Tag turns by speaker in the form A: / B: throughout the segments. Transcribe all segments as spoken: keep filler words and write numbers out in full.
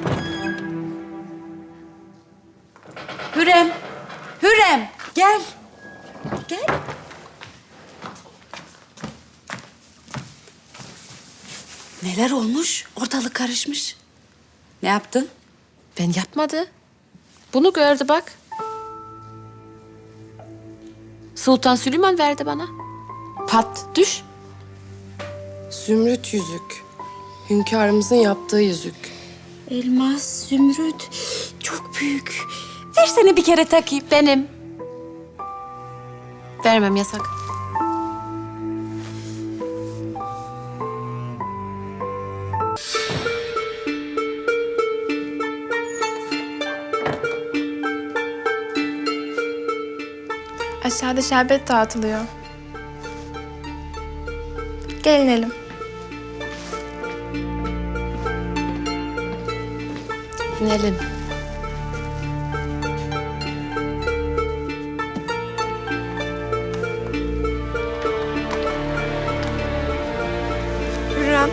A: Hürrem, Hürrem gel. Gel. Neler olmuş? Ortalık karışmış. Ne yaptın?
B: Ben yapmadı. Bunu gördü bak. Sultan Süleyman verdi bana. Pat, düş.
C: Zümrüt yüzük. Hünkârımızın yaptığı yüzük.
A: Elmas, zümrüt. Çok büyük. Versene bir kere takayım.
B: Benim. Vermem, yasak.
D: Aşağıda şerbet dağıtılıyor. Gelin elim.
B: İnelim.
D: Hürrem.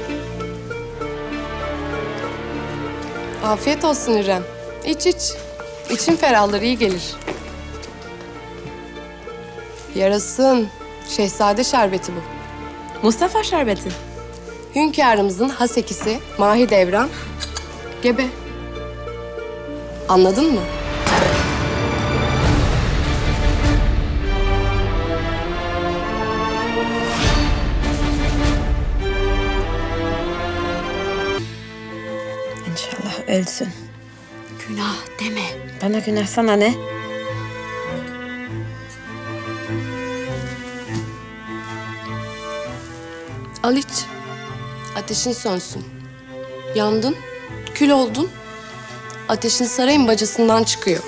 C: Afiyet olsun İrem. İç iç. İçin ferahlar, iyi gelir. Yarasın. Şehzade şerbeti bu.
B: Mustafa şerbeti.
C: Hünkârımızın hasekisi Mahidevran gebe. Anladın mı?
B: İnşallah ölsün.
A: Günah deme.
B: Bana günah, sana ne?
C: Al iç. Ateşin sönsün. Yandın, kül oldun. Ateşin sarayın bacasından çıkıyor.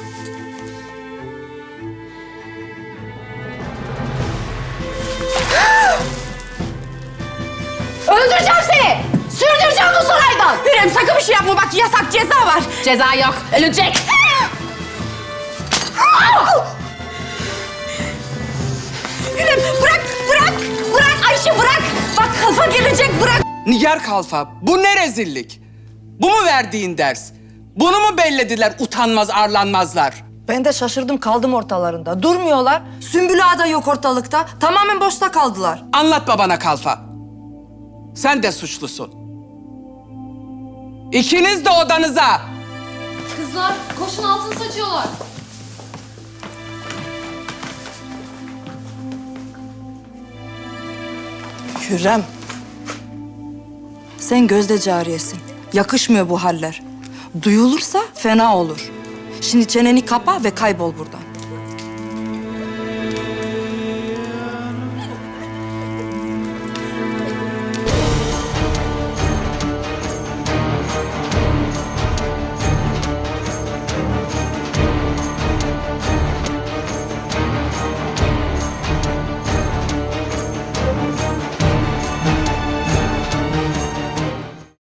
A: Öldüreceğim seni. Sürdüreceğim bu saraydan. Hürrem sakın bir şey yapma. Bak yasak, ceza var.
B: Ceza yok, ölecek.
A: Hürrem bırak, bırak. Bırak Ayşe bırak. Bak kalfa gelecek bırak.
E: Nigar Kalfa, bu ne rezillik? Bu mu verdiğin ders? Bunu mu bellediler utanmaz arlanmazlar?
F: Ben de şaşırdım kaldım ortalarında. Durmuyorlar. Sümbül Ağa da yok ortalıkta. Tamamen boşta kaldılar.
E: Anlatma bana Kalfa. Sen de suçlusun. İkiniz de odanıza.
B: Kızlar, koşun altın saçıyorlar.
F: Hürrem. Sen gözde cariyesin. Yakışmıyor bu haller. Duyulursa fena olur. Şimdi çeneni kapa ve kaybol buradan.